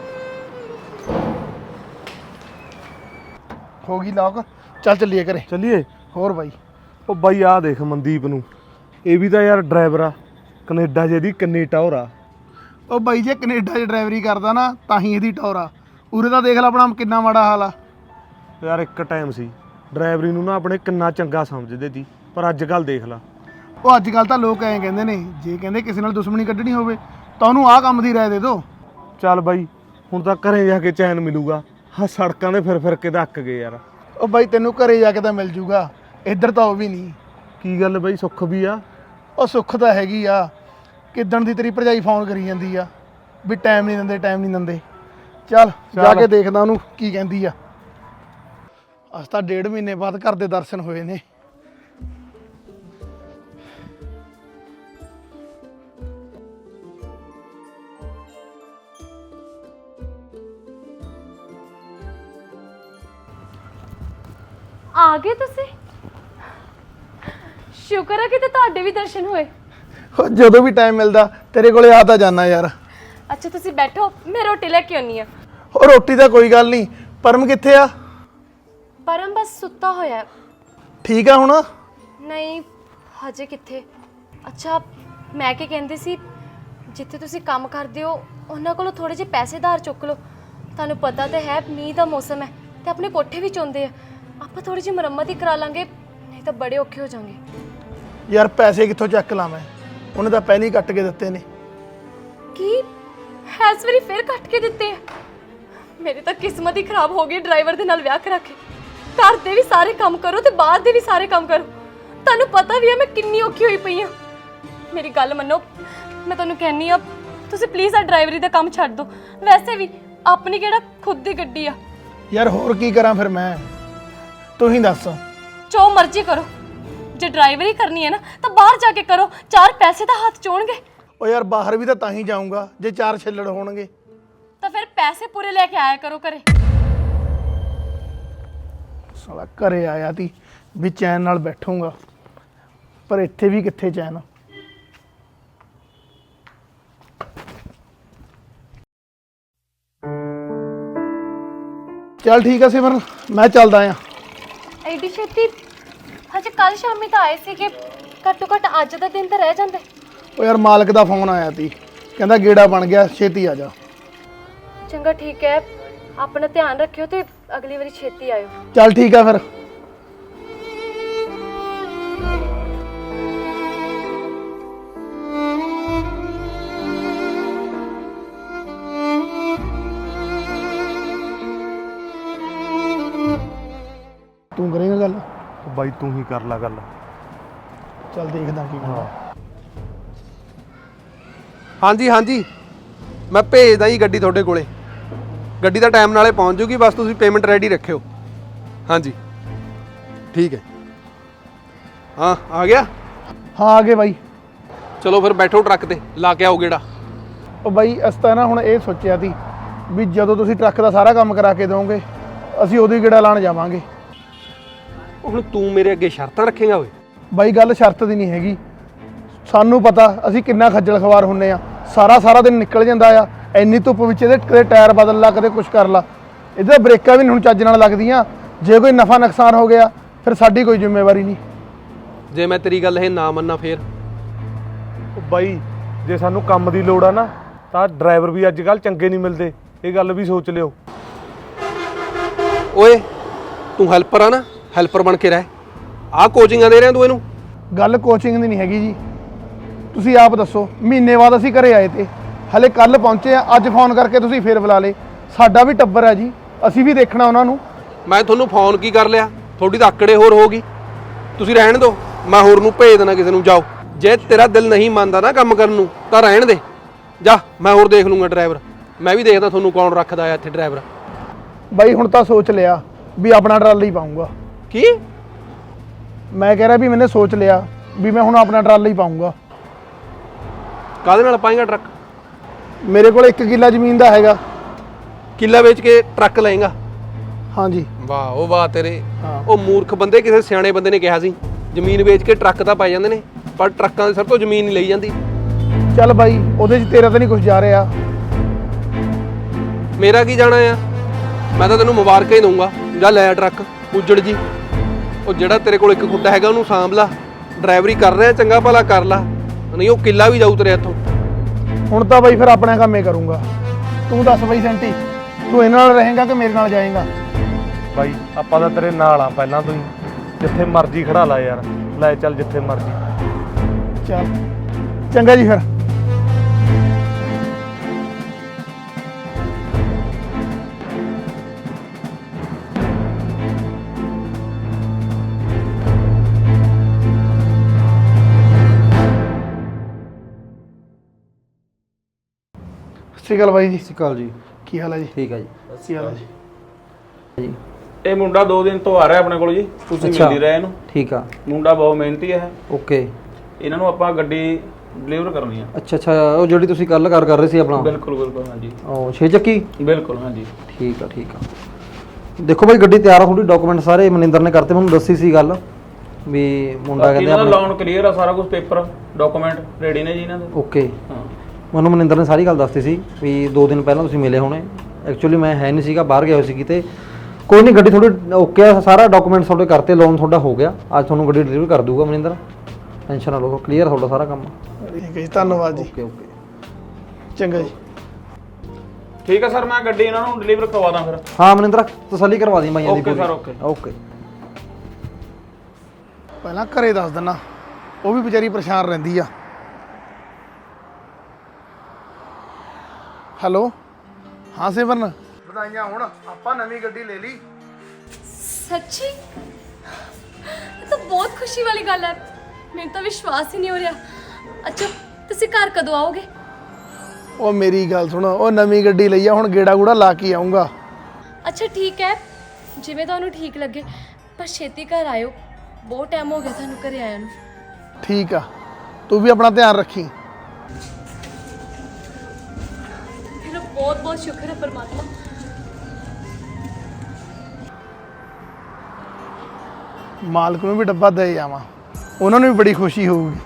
S1: ਹੋ ਗਈ ਲੌਕ ਚੱਲ ਚੱਲੀਏ ਘਰੇ।
S4: ਚੱਲੀਏ।
S1: ਹੋਰ ਬਾਈ
S4: ਉਹ ਬਾਈ ਆਹ ਦੇਖ ਮਨਦੀਪ ਨੂੰ ਇਹ ਵੀ ਤਾਂ ਯਾਰ ਡਰਾਈਵਰ ਆ ਕੈਨੇਡਾ ਜਿਹਦੀ ਕਿੰਨੀ ਟੌਰ ਆ।
S1: ਉਹ ਬਾਈ ਜੇ ਕੈਨੇਡਾ 'ਚ ਡਰਾਈਵਰੀ ਕਰਦਾ ਨਾ ਤਾਂ ਹੀ ਇਹਦੀ ਟੌਰ ਆ। ਉਰੇ ਤਾਂ ਦੇਖ ਲੈ ਆਪਣਾ ਕਿੰਨਾ ਮਾੜਾ ਹਾਲ ਆ।
S4: ਯਾਰ ਇੱਕ ਟਾਈਮ ਸੀ ਡਰਾਈਵਰੀ ਨੂੰ ਨਾ ਆਪਣੇ ਕਿੰਨਾ ਚੰਗਾ ਸਮਝਦੇ ਸੀ ਪਰ ਅੱਜ ਕੱਲ ਦੇਖ ਲਾ।
S1: ਉਹ ਅੱਜ ਕੱਲ ਤਾਂ ਲੋਕ ਐਂ ਕਹਿੰਦੇ ਨੇ ਜੇ ਕਹਿੰਦੇ ਕਿਸੇ ਨਾਲ ਦੁਸ਼ਮਣੀ ਕੱਢਣੀ ਹੋਵੇ ਤਾਂ ਉਹਨੂੰ ਆਹ ਕੰਮ ਦੀ ਰਾਏ ਦੇ ਦਿਓ।
S4: ਚੱਲ ਬਾਈ ਹੁਣ ਤਾਂ ਘਰੇ ਜਾ ਕੇ ਚੈਨ ਮਿਲੂਗਾ। ਹਾਂ ਸੜਕਾਂ 'ਤੇ ਫਿਰ ਫਿਰ ਕੇ ਧੱਕ ਗਏ ਯਾਰ।
S1: ਉਹ ਬਾਈ ਤੈਨੂੰ ਘਰੇ ਜਾ ਕੇ ਤਾਂ ਮਿਲ ਜੂਗਾ ਇੱਧਰ ਤਾਂ ਉਹ ਵੀ ਨਹੀਂ।
S4: ਕੀ ਗੱਲ ਬਾਈ ਸੁੱਖ ਵੀ ਆ?
S1: ਉਹ ਸੁੱਖ ਤਾਂ ਹੈਗੀ ਆ ਕਿੱਦਣ ਦੀ ਤੇਰੀ ਭਰਜਾਈ ਫੋਨ ਕਰੀ ਜਾਂਦੀ ਆ ਵੀ ਟਾਈਮ ਨਹੀਂ ਦਿੰਦੇ ਟਾਈਮ ਨਹੀਂ ਦਿੰਦੇ। ਚੱਲ ਜਾ ਕੇ ਦੇਖਦਾ ਉਹਨੂੰ ਕੀ ਕਹਿੰਦੀ ਆ। ਅੱਜ ਤਾਂ ਡੇਢ ਮਹੀਨੇ ਬਾਅਦ ਘਰ ਦੇ ਦਰਸ਼ਨ ਹੋਏ ਨੇ।
S8: ਆ ਗਏ ਤੁਸੀਂ? ਸ਼ੁਕਰ ਹੈ ਕਿ ਤੇ ਤੁਹਾਡੇ ਵੀ ਦਰਸ਼ਨ ਹੋਏ।
S1: ਉਹ ਜਦੋਂ ਵੀ ਟਾਈਮ ਮਿਲਦਾ ਤੇਰੇ ਕੋਲੇ ਆ ਤਾਂ ਜਾਣਾ ਯਾਰ।
S8: ਅੱਛਾ ਤੁਸੀਂ ਬੈਠੋ ਮੈਂ ਰੋਟੀ ਲੈ ਕੇ ਆਉਣੀ ਆ।
S1: ਉਹ ਰੋਟੀ ਤਾਂ ਕੋਈ ਗੱਲ ਨਹੀਂ ਪਰਮ ਕਿੱਥੇ ਆ?
S8: ਪਰਮ ਬਸ ਸੁੱਤਾ ਹੋਇਆ ਹੈ।
S1: ਠੀਕ ਆ ਹੁਣ?
S8: ਨਹੀਂ ਹਜੇ ਕਿੱਥੇ? ਅੱਛਾ, ਮੈਂ ਕੀ ਕਹਿੰਦੀ ਸੀ, ਜਿੱਥੇ ਤੁਸੀਂ ਕੰਮ ਕਰਦੇ ਹੋ ਉਹਨਾਂ ਕੋਲੋਂ ਥੋੜੇ ਜਿਹੇ ਪੈਸੇ ਧਾਰ ਚੁੱਕ ਲਓ। ਤੁਹਾਨੂੰ ਪਤਾ ਤਾਂ ਹੈ ਮੀਂਹ ਦਾ ਮੌਸਮ ਹੈ ਤੇ ਆਪਣੇ ਕੋਠੇ ਵੀ ਚੋਂਦੇ ਆ। ਆਪਾਂ ਥੋੜੀ ਜਿਹੀ ਮੁਰੰਮਤ ਹੀ ਕਰਾ ਲਾਂਗੇ, ਨਹੀਂ ਤਾਂ ਬੜੇ ਔਖੇ ਹੋ ਜਾਵਾਂਗੇ।
S1: ਯਾਰ ਪੈਸੇ ਕਿੱਥੋਂ ਚੱਕ ਲਾਂ ਮੈਂ? ਉਹਨੇ ਤਾਂ ਪਹਿਲਾਂ ਹੀ ਕੱਟ ਕੇ ਦਿੱਤੇ ਨੇ।
S8: ਕੀ ਇਸ ਵਾਰੀ ਫਿਰ ਕੱਟ ਕੇ ਦਿੱਤੇ ਆ? ਮੇਰੀ ਤਾਂ ਕਿਸਮਤ ਹੀ ਖਰਾਬ ਹੋ ਗਈ ਡਰਾਈਵਰ ਦੇ ਨਾਲ ਵਿਆਹ ਕਰਾ ਕੇ। ਘਰ ਦੇ ਵੀ ਸਾਰੇ ਕੰਮ ਕਰੋ ਤੇ ਬਾਹਰ ਦੇ ਵੀ ਸਾਰੇ ਕੰਮ ਕਰੋ। ਤੁਹਾਨੂੰ ਪਤਾ ਵੀ ਹੈ ਮੈਂ ਕਿੰਨੀ ਔਖੀ ਹੋਈ ਪਈ ਆ। ਮੇਰੀ ਗੱਲ ਮੰਨੋ, ਮੈਂ ਤੁਹਾਨੂੰ ਕਹਿੰਨੀ ਆ, ਤੁਸੀਂ ਪਲੀਜ਼ ਆ ਡਰਾਈਵਰੀ ਦਾ ਕੰਮ ਛੱਡ ਦਿਓ। ਵੈਸੇ ਵੀ ਆਪਣੀ ਕਿਹੜਾ ਖੁਦ ਦੀ ਗੱਡੀ ਆ।
S1: ਯਾਰ ਹੋਰ ਕੀ ਕਰਾਂ ਫਿਰ ਮੈਂ? ਤੂੰ ਹੀ ਦੱਸ।
S8: ਜੋ ਮਰਜ਼ੀ ਕਰੋ, ਜੇ ਡਰਾਈਵਰੀ ਕਰਨੀ ਹੈ ਨਾ ਤਾਂ ਬਾਹਰ ਜਾ ਕੇ ਕਰੋ, ਚਾਰ ਪੈਸੇ ਤਾਂ ਹੱਥ ਚੋਣਗੇ।
S1: ਉਹ ਯਾਰ ਬਾਹਰ ਵੀ ਤਾਂ ਤਾਂ ਹੀ ਜਾਊਂਗਾ ਜੇ ਚਾਰ ਛਿੱਲੜ ਹੋਣਗੇ।
S8: ਤਾਂ ਫਿਰ ਪੈਸੇ ਪੂਰੇ ਲੈ ਕੇ ਆਇਆ ਕਰੋ ਘਰੇ।
S1: ਸਾਲਾ ਘਰੇ ਆਇਆ ਤੀ ਵੀ ਚੈਨ ਨਾਲ ਬੈਠੂੰਗਾ, ਪਰ ਇੱਥੇ ਵੀ ਕਿੱਥੇ ਚੈਨ। ਚੱਲ ਠੀਕ ਆ ਸਿਮਰਨ, ਮੈਂ ਚੱਲਦਾ ਆ।
S8: ਐਡੀ ਛੇਤੀ? ਹਜੇ ਕੱਲ ਸ਼ਾਮੀ ਤਾਂ ਆਏ ਸੀਗੇ, ਘੱਟੋ ਘੱਟ ਅੱਜ ਦਾ ਦਿਨ ਤਾਂ ਰਹਿ ਜਾਂਦੇ।
S1: ਉਹ ਯਾਰ ਮਾਲਕ ਦਾ ਫੋਨ ਆਇਆ ਤੀ, ਕਹਿੰਦਾ ਗੇੜਾ ਬਣ ਗਿਆ, ਛੇਤੀ ਆ ਜਾ।
S8: ਚੰਗਾ ਠੀਕ ਹੈ, ਆਪਣਾ ਧਿਆਨ ਰੱਖਿਓ ਤੇ ਅਗਲੀ ਵਾਰੀ ਛੇਤੀ ਆਇਓ।
S1: ਚੱਲ ਠੀਕ ਆ ਫਿਰ। ਤੂੰ ਕਰੇਂਗਾ ਗੱਲ?
S4: ਬਾਈ ਤੂੰ ਹੀ ਕਰ ਲੈ ਗੱਲ।
S1: ਚੱਲ ਦੇਖਦਾ ਕੀ ਕਰਦਾ।
S2: ਹਾਂਜੀ ਹਾਂਜੀ, ਮੈਂ ਭੇਜਦਾ ਜੀ ਗੱਡੀ ਤੁਹਾਡੇ ਕੋਲੇ। ਗੱਡੀ ਦਾ ਟਾਈਮ ਨਾਲੇ ਪਹੁੰਚ ਜੂਗੀ, ਬਸ ਤੁਸੀਂ ਪੇਮੈਂਟ ਰੈਡੀ ਰੱਖਿਓ। ਹਾਂਜੀ ਠੀਕ ਹੈ। ਹਾਂ ਆ ਗਿਆ?
S1: ਹਾਂ ਆ ਗਏ ਬਾਈ।
S2: ਚਲੋ ਫਿਰ ਬੈਠੋ ਟਰੱਕ ਤੇ, ਲਾ ਕੇ ਆਓ ਗੇੜਾ।
S1: ਉਹ ਬਾਈ ਅਸੀਂ ਤਾਂ ਨਾ ਹੁਣ ਇਹ ਸੋਚਿਆ ਸੀ ਵੀ ਜਦੋਂ ਤੁਸੀਂ ਟਰੱਕ ਦਾ ਸਾਰਾ ਕੰਮ ਕਰਾ ਕੇ ਦਿਓਗੇ ਅਸੀਂ ਉਹਦੀ ਗੇੜਾ ਲਾਣ ਜਾਵਾਂਗੇ।
S2: ਹੁਣ ਤੂੰ ਮੇਰੇ ਅੱਗੇ ਸ਼ਰਤਾਂ ਰੱਖੇਂਗਾ ਓਏ?
S1: ਬਾਈ ਗੱਲ ਸ਼ਰਤ ਦੀ ਨਹੀਂ ਹੈਗੀ, ਸਾਨੂੰ ਪਤਾ ਅਸੀਂ ਕਿੰਨਾ ਖੱਜਲ ਖਵਾਰ ਹੁੰਨੇ ਆ। ਸਾਰਾ ਸਾਰਾ ਦਿਨ ਨਿਕਲ ਜਾਂਦਾ ਆ, ਇੰਨੀ ਧੁੱਪ ਵਿੱਚ ਇਹਦੇ ਕਦੇ ਟਾਇਰ ਬਦਲ ਲਾ, ਕਦੇ ਕੁਛ ਕਰ ਲਾ। ਇਹਦੇ ਬ੍ਰੇਕਾਂ ਵੀ ਨਹੀਂ ਹੁਣ ਚੱਜ ਨਾਲ ਲੱਗਦੀਆਂ। ਜੇ ਕੋਈ ਨਫਾ ਨੁਕਸਾਨ ਹੋ ਗਿਆ ਫਿਰ ਸਾਡੀ ਕੋਈ ਜ਼ਿੰਮੇਵਾਰੀ ਨਹੀਂ।
S2: ਜੇ ਮੈਂ ਤੇਰੀ ਗੱਲ ਇਹ ਨਾ ਮੰਨਾਂ ਫੇਰ?
S4: ਉਹ ਬਾਈ ਜੇ ਸਾਨੂੰ ਕੰਮ ਦੀ ਲੋੜ ਆ ਨਾ ਤਾਂ ਡਰਾਈਵਰ ਵੀ ਅੱਜ ਕੱਲ੍ਹ ਚੰਗੇ ਨਹੀਂ ਮਿਲਦੇ, ਇਹ ਗੱਲ ਵੀ ਸੋਚ ਲਿਓ।
S2: ਓਏ ਤੂੰ ਹੈਲਪਰ ਆ ਨਾ, ਹੈਲਪਰ ਬਣ ਕੇ ਰਹਿ। ਆਹ ਕੋਚਿੰਗਾਂ ਦੇ ਰਿਹਾ ਤੂੰ ਇਹਨੂੰ?
S1: ਗੱਲ ਕੋਚਿੰਗ ਦੀ ਨਹੀਂ ਹੈਗੀ ਜੀ, ਤੁਸੀਂ ਆਪ ਦੱਸੋ। ਮਹੀਨੇ ਬਾਅਦ ਅਸੀਂ ਘਰੇ ਆਏ ਤੇ ਹਲੇ ਕੱਲ ਪਹੁੰਚੇ ਆ, ਅੱਜ ਫੋਨ ਕਰਕੇ ਤੁਸੀਂ ਫੇਰ ਬੁਲਾ ਲੇ। ਸਾਡਾ ਵੀ ਟੱਬਰ ਹੈ ਜੀ, ਅਸੀਂ ਵੀ ਦੇਖਣਾ ਉਹਨਾਂ ਨੂੰ।
S2: ਮੈਂ ਤੁਹਾਨੂੰ ਫੋਨ ਕੀ ਕਰ ਲਿਆ? ਤੁਹਾਡੀ ਤਾਂ ਆਕੜੇ ਹੋਰ ਹੋਗੀ। ਤੁਸੀਂ ਰਹਿਣ ਦਿਓ, ਮੈਂ ਹੋਰ ਨੂੰ ਭੇਜ ਦੇਣਾ ਕਿਸੇ ਨੂੰ। ਜਾਓ, ਜੇ ਤੇਰਾ ਦਿਲ ਨਹੀਂ ਮੰਨਦਾ ਨਾ ਕੰਮ ਕਰਨ ਨੂੰ ਤਾਂ ਰਹਿਣ ਦੇ, ਜਾ ਮੈਂ ਹੋਰ ਦੇਖ ਲੂੰਗਾ ਡਰਾਈਵਰ। ਮੈਂ ਵੀ ਦੇਖਦਾ ਤੁਹਾਨੂੰ ਕੌਣ ਰੱਖਦਾ ਆ ਇੱਥੇ ਡਰਾਈਵਰ।
S1: ਬਾਈ ਹੁਣ ਤਾਂ ਸੋਚ ਲਿਆ ਵੀ ਆਪਣਾ ਟਰਾਲਾ ਹੀ ਪਾਊਂਗਾ।
S2: ਕੀ?
S1: ਮੈਂ ਕਹਿ ਰਿਹਾ ਵੀ ਮੈਨੇ ਸੋਚ ਲਿਆ ਵੀ ਮੈਂ ਹੁਣ ਆਪਣਾ ਟਰਾਲਾ ਹੀ ਪਾਊਂਗਾ।
S2: ਕਾਹਦੇ ਨਾਲ ਪਾਏਗਾ ਟਰੱਕ?
S1: ਮੇਰੇ ਕੋਲ ਇੱਕ ਕਿੱਲਾ ਜ਼ਮੀਨ ਦਾ ਹੈਗਾ।
S2: ਕਿੱਲਾ ਵੇਚ ਕੇ ਟਰੱਕ ਲਏਗਾ?
S1: ਹਾਂਜੀ।
S2: ਵਾਹ ਉਹ ਵਾਹ ਤੇਰੇ।
S1: ਹਾਂ।
S2: ਉਹ ਮੂਰਖ ਬੰਦੇ, ਕਿਸੇ ਸਿਆਣੇ ਬੰਦੇ ਨੇ ਕਿਹਾ ਸੀ ਜ਼ਮੀਨ ਵੇਚ ਕੇ ਟਰੱਕ ਤਾਂ ਪਾਏ ਜਾਂਦੇ ਨੇ, ਪਰ ਟਰੱਕਾਂ ਦੇ ਸਭ ਤੋਂ ਜ਼ਮੀਨ ਨਹੀਂ ਲਈ ਜਾਂਦੀ।
S1: ਚੱਲ ਬਾਈ ਉਹਦੇ 'ਚ ਤੇਰਾ ਤਾਂ ਨਹੀਂ ਕੁਝ ਜਾ ਰਿਹਾ।
S2: ਮੇਰਾ ਕੀ ਜਾਣਾ ਆ? ਮੈਂ ਤਾਂ ਤੈਨੂੰ ਮੁਬਾਰਕਾਂ ਹੀ ਦਊਂਗਾ, ਜਾ ਲੈ ਟਰੱਕ ਉਜੜ ਜੀ। ਉਹ ਜਿਹੜਾ ਤੇਰੇ ਕੋਲ ਇੱਕ ਖੁੱਡਾ ਹੈਗਾ ਉਹਨੂੰ ਸਾਂਭ ਲਾ, ਡਰਾਈਵਰੀ ਕਰ ਰਿਹਾ ਚੰਗਾ ਭਲਾ ਕਰ ਲਾ, ਨਹੀਂ ਉਹ ਕਿੱਲਾ ਵੀ ਜਾਊ ਤੇਰੇ ਇੱਥੋਂ।
S1: ਹੁਣ ਤਾਂ ਬਾਈ ਫਿਰ ਆਪਣਾ ਕੰਮ ਹੀ ਕਰੂੰਗਾ। ਤੂੰ ਦੱਸ ਬਾਈ ਸੈਂਟੀ, ਤੂੰ ਇਹਨਾਂ ਨਾਲ ਰਹੇਂਗਾ ਕਿ ਮੇਰੇ ਨਾਲ ਜਾਏਂਗਾ?
S4: ਬਾਈ ਆਪਾਂ ਤਾਂ ਤੇਰੇ ਨਾਲ ਆ ਪਹਿਲਾਂ ਤੋਂ ਹੀ, ਜਿੱਥੇ ਮਰਜ਼ੀ ਖੜਾ ਲਾ ਯਾਰ, ਲੈ ਚੱਲ ਜਿੱਥੇ ਮਰਜ਼ੀ।
S1: ਚੱਲ ਚੰਗਾ ਜੀ ਫਿਰ। ਸਤਿ ਸ਼੍ਰੀ ਅਕਾਲ ਬਾਈ ਜੀ।
S7: ਸਤਿ ਸ਼੍ਰੀ ਅਕਾਲ ਜੀ।
S1: ਕੀ ਹਾਲ ਹੈ ਜੀ?
S7: ਠੀਕ ਹੈ ਜੀ।
S1: ਕੀ ਹਾਲ ਹੈ ਜੀ?
S9: ਇਹ ਮੁੰਡਾ ਦੋ ਦਿਨ ਤੋਂ ਆ ਰਿਹਾ ਆਪਣੇ ਕੋਲ ਜੀ, ਤੁਸੀਂ ਮਿਲਦੀ ਰਹੇ ਇਹਨੂੰ।
S7: ਠੀਕ ਆ। ਮੁੰਡਾ
S9: ਬਹੁਤ ਮਿਹਨਤੀ ਹੈ।
S7: ਓਕੇ।
S9: ਇਹਨਾਂ ਨੂੰ ਆਪਾਂ ਗੱਡੀ ਡਿਲੀਵਰ ਕਰਨੀ ਆ।
S7: ਅੱਛਾ ਅੱਛਾ, ਉਹ ਜਿਹੜੀ ਤੁਸੀਂ ਕੱਲ ਕਰ ਕਰ ਰਹੇ ਸੀ ਆਪਣਾ?
S9: ਬਿਲਕੁਲ ਬਿਲਕੁਲ ਹਾਂਜੀ।
S7: ਉਹ ਛੇ ਚੱਕੀ?
S9: ਬਿਲਕੁਲ ਹਾਂਜੀ।
S7: ਠੀਕ ਆ ਠੀਕ ਆ। ਦੇਖੋ ਭਾਈ ਗੱਡੀ ਤਿਆਰ ਆ, ਤੁਹਾਡੀ ਡਾਕੂਮੈਂਟ ਸਾਰੇ ਮਨਿੰਦਰ ਨੇ ਕਰਤੇ, ਮੈਨੂੰ ਦੱਸੀ ਸੀ ਗੱਲ ਵੀ ਮੁੰਡਾ ਕਹਿੰਦੇ
S9: ਇਹਨਾਂ ਦਾ ਲੋਨ ਕਲੀਅਰ ਆ, ਸਾਰਾ ਕੁਝ ਪੇਪਰ ਡਾਕੂਮੈਂਟ ਰੈਡੀ ਨੇ ਜੀ ਇਹਨਾਂ ਦੇ।
S7: ਓਕੇ।
S9: ਹਾਂ
S7: ਮੈਨੂੰ ਮਨਿੰਦਰ ਨੇ ਸਾਰੀ ਗੱਲ ਦੱਸਤੀ ਸੀ ਵੀ ਦੋ ਦਿਨ ਪਹਿਲਾਂ ਤੁਸੀਂ ਮਿਲੇ ਹੋਣੇ। ਐਕਚੁਅਲੀ ਮੈਂ ਹੈ ਨਹੀਂ ਸੀਗਾ, ਬਾਹਰ ਗਿਆ ਹੋਇਆ ਸੀ ਕਿਤੇ। ਕੋਈ ਨਹੀਂ, ਗੱਡੀ ਤੁਹਾਡੀ ਓਕੇ ਆ, ਸਾਰਾ ਡਾਕੂਮੈਂਟ ਤੁਹਾਡੇ ਕਰਤੇ, ਲੋਨ ਤੁਹਾਡਾ ਹੋ ਗਿਆ। ਅੱਜ ਤੁਹਾਨੂੰ ਗੱਡੀ ਡਿਲੀਵਰ ਕਰ ਦੂਗਾ ਮਨਿੰਦਰ। ਟੈਨਸ਼ਨ ਨਾ ਲਓ, ਕਲੀਅਰ ਤੁਹਾਡਾ ਸਾਰਾ ਕੰਮ।
S1: ਠੀਕ ਹੈ ਜੀ, ਧੰਨਵਾਦ ਜੀ।
S7: ਓਕੇ ਓਕੇ
S1: ਚੰਗਾ ਜੀ।
S9: ਠੀਕ ਹੈ ਸਰ, ਮੈਂ ਗੱਡੀ ਇਹਨਾਂ ਨੂੰ ਡਿਲੀਵਰ ਕਰਵਾ ਦਾਂ ਫਿਰ।
S7: ਹਾਂ ਮਨਿੰਦਰ, ਤਸੱਲੀ ਕਰਵਾ ਦੀ ਮਾਈਆਂ ਦੀ
S9: ਓਕੇ
S7: ਪੂਰੀ।
S9: Sir, okay.
S7: ਓਕੇ
S1: ਪਹਿਲਾਂ ਘਰੇ ਦੱਸ ਦਿੰਨਾ, ਉਹ ਵੀ ਵਿਚਾਰੀ ਪਰੇਸ਼ਾਨ ਰਹਿੰਦੀ ਆ। ਹੈਲੋ, ਹਾਂ ਸਿਮਰਨ, ਵਧਾਈਆਂ ਹੋਣ, ਆਪਾਂ ਨਵੀਂ ਗੱਡੀ ਲੈ ਲਈ।
S8: ਸੱਚੀ? ਇਹ ਤਾਂ ਬਹੁਤ ਖੁਸ਼ੀ ਵਾਲੀ ਗੱਲ ਹੈ, ਮੈਨੂੰ ਤਾਂ ਵਿਸ਼ਵਾਸ ਹੀ ਨਹੀਂ ਹੋ ਰਿਹਾ। ਅੱਛਾ, ਤੁਸੀਂ ਘਰ ਕਦੋਂ ਆਓਗੇ?
S1: ਉਹ ਮੇਰੀ ਗੱਲ ਸੁਣ, ਉਹ ਨਵੀਂ ਗੱਡੀ ਲਈ ਆ, ਹੁਣ ਗੇੜਾ ਗੂੜਾ ਲਾ ਕੇ ਆਉਂਗਾ।
S8: ਅੱਛਾ ਠੀਕ ਹੈ, ਜਿਵੇਂ ਤੁਹਾਨੂੰ ਠੀਕ ਲੱਗੇ, ਪਰ ਛੇਤੀ ਘਰ ਆਇਓ, ਬਹੁਤ ਟਾਈਮ ਹੋ ਗਿਆ ਤੁਹਾਨੂੰ ਘਰੇ ਆਇਆ ਨੂੰ।
S1: ਠੀਕ ਆ, ਤੂੰ ਵੀ ਆਪਣਾ ਧਿਆਨ ਰੱਖੀ।
S8: ਤੇਰਾ ਬਹੁਤ ਬਹੁਤ ਸ਼ੁਕਰ ਹੈ ਪਰਮਾਤਮਾ।
S1: ਮਾਲਕ ਨੂੰ ਵੀ ਡੱਬਾ ਦੇ ਜਾਵਾਂ, ਉਹਨਾਂ ਨੂੰ ਵੀ ਬੜੀ ਖੁਸ਼ੀ ਹੋਊਗੀ।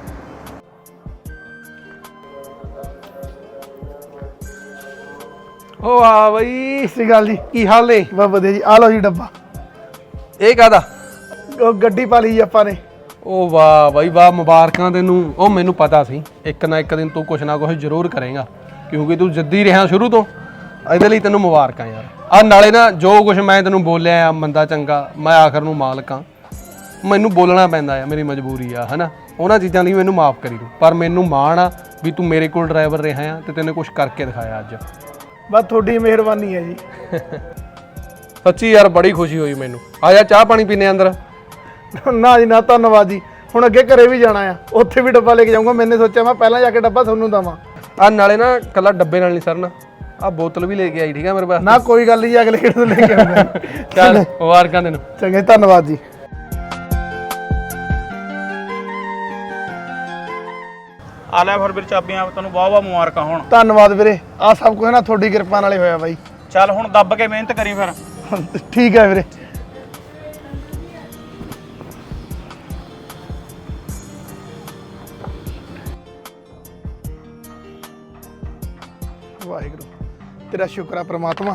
S2: ਓ ਆ ਬਈ,
S1: ਸਤਿ ਸ਼੍ਰੀ ਅਕਾਲ ਜੀ।
S2: ਕੀ ਹਾਲ ਨੇ?
S1: ਬਹੁਤ ਵਧੀਆ ਜੀ, ਆ ਲਓ ਜੀ ਡੱਬਾ।
S2: ਇਹ ਕਾਹਦਾ?
S1: ਉਹ ਗੱਡੀ ਪਾ ਲਈ ਜੀ ਆਪਾਂ ਨੇ।
S2: ਓ ਵਾਹ ਬਈ ਵਾਹ, ਮੁਬਾਰਕਾਂ ਤੈਨੂੰ। ਉਹ ਮੈਨੂੰ ਪਤਾ ਸੀ ਇੱਕ ਨਾ ਇੱਕ ਦਿਨ ਤੂੰ ਕੁਛ ਨਾ ਕੁਛ ਜ਼ਰੂਰ ਕਰੇਗਾ, ਕਿਉਂਕਿ ਤੂੰ ਜਿੱਦੀ ਰਿਹਾ ਸ਼ੁਰੂ ਤੋਂ। ਇਹਦੇ ਲਈ ਤੈਨੂੰ ਮੁਬਾਰਕਾਂ ਯਾਰ। ਆ ਨਾਲੇ ਨਾ ਜੋ ਕੁਛ ਮੈਂ ਤੈਨੂੰ ਬੋਲਿਆ ਆ ਮੰਦਾ ਚੰਗਾ, ਮੈਂ ਆਖਰ ਨੂੰ ਮਾਲਕ ਆ, ਮੈਨੂੰ ਬੋਲਣਾ ਪੈਂਦਾ ਆ, ਮੇਰੀ ਮਜਬੂਰੀ ਆ, ਹਨਾ। ਉਹਨਾਂ ਚੀਜ਼ਾਂ ਲਈ ਮੈਨੂੰ ਮਾਫ ਕਰੀ ਤੂੰ, ਪਰ ਮੈਨੂੰ ਮਾਣ ਆ ਵੀ ਤੂੰ ਮੇਰੇ ਕੋਲ ਡਰਾਈਵਰ ਰਿਹਾ ਆ ਤੇ ਤੈਨੂੰ ਕੁਛ ਕਰਕੇ ਦਿਖਾਇਆ ਅੱਜ।
S1: ਬਸ ਤੁਹਾਡੀ ਮਿਹਰਬਾਨੀ ਹੈ ਜੀ।
S2: ਸੱਚੀ ਯਾਰ ਬੜੀ ਖੁਸ਼ੀ ਹੋਈ ਮੈਨੂੰ। ਆ ਜਾ ਚਾਹ ਪਾਣੀ ਪੀਨੇ ਅੰਦਰ।
S1: ਨਾ ਜੀ ਨਾ, ਧੰਨਵਾਦ ਜੀ। ਹੁਣ ਅੱਗੇ ਘਰੇ ਵੀ ਜਾਣਾ ਆ, ਉੱਥੇ ਵੀ ਡੱਬਾ ਲੈ ਕੇ ਜਾਊਂਗਾ। ਮੈਨੇ ਸੋਚਿਆ ਮੈਂ ਪਹਿਲਾਂ ਜਾ ਕੇ ਡੱਬਾ ਤੁਹਾਨੂੰ ਦਵਾਂ।
S2: ਆ ਨਾਲੇ ਨਾ ਕੱਲਾ ਡੱਬੇ ਨਾਲ ਨਹੀਂ ਸਰਨਾ, ਆ ਬੋਤਲ ਵੀ ਲੈ ਕੇ ਆਈ, ਠੀਕ ਆ ਮੇਰੇ ਪਾਸ।
S1: ਨਾ ਕੋਈ ਗੱਲ ਨਹੀਂ, ਅਗਲੇ ਕਿਹੜੇ ਤੋਂ ਲੈ ਕੇ ਆਉਂਗਾ।
S2: ਚੱਲ ਮੁਬਾਰਕਾਂ ਤੈਨੂੰ।
S1: ਚੰਗਾ ਜੀ, ਧੰਨਵਾਦ ਜੀ।
S9: ਆ ਲੈ ਫਿਰ ਵੀਰ ਚਾਬੀਆਂ, ਤੈਨੂੰ ਬਹੁਤ ਬਹੁਤ ਮੁਬਾਰਕਾਂ ਹੋਣ।
S1: ਧੰਨਵਾਦ ਵੀਰੇ, ਆ ਸਭ ਕੁਝ ਨਾ ਤੁਹਾਡੀ ਕਿਰਪਾ ਨਾਲੇ ਹੋਇਆ ਬਾਈ।
S9: ਚੱਲ ਹੁਣ ਦੱਬ ਕੇ ਮਿਹਨਤ ਕਰੀ ਫਿਰ।
S1: ਠੀਕ ਹੈ ਵੀਰੇ। ਵਾਹਿਗੁਰੂ, ਤੇਰਾ ਸ਼ੁਕਰ ਆ ਪ੍ਰਮਾਤਮਾ।